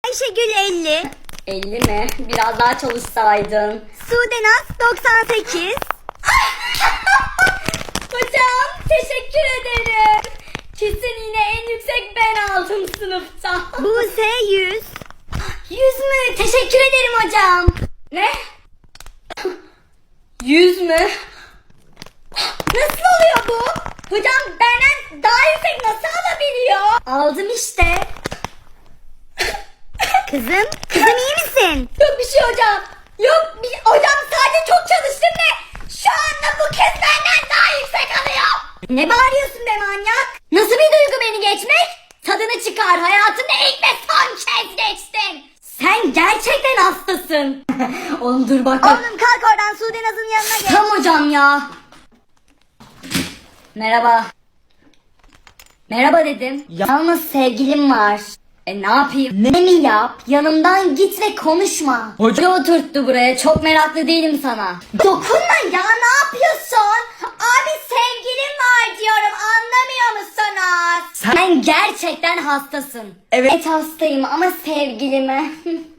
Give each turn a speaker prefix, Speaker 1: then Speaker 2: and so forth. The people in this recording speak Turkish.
Speaker 1: Ayşegül 50.
Speaker 2: 50 mi? Biraz daha çalışsaydın.
Speaker 1: Sudenaz 98.
Speaker 2: Hocam teşekkür ederim. Kesin yine en yüksek ben aldım sınıfta.
Speaker 1: Buse 100.
Speaker 2: 100 mü? Teşekkür ederim hocam. Ne? 100 mü? Nasıl oluyor bu? Hocam benden daha yüksek nasıl alabiliyor? Aldım işte.
Speaker 1: Kızım iyi misin?
Speaker 2: Yok bir şey hocam. Yok hocam sadece çok çalıştım ve şu anda bu kez benden daha yüksek alıyor. Ne bağırıyorsun be manyak? Nasıl bir duygu beni geçmek? Tadını çıkar, hayatımda ilk ve son kez geçtin. Sen gerçekten hastasın. Oğlum dur bak.
Speaker 1: Oğlum kalk oradan Sudenaz'ın yanına geç.
Speaker 2: Tamam hocam ya. Merhaba. Merhaba dedim. Yalnız sevgilim var. Ne yapayım? Ne mi yap? Yanımdan git ve konuşma. Hoca oturttu buraya. Çok meraklı değilim sana. Dokunma ya, ne yapıyorsun? Abi sevgilim var diyorum. Anlamıyor musunuz? Sen gerçekten hastasın.
Speaker 3: Evet.
Speaker 2: Hastayım ama sevgilime.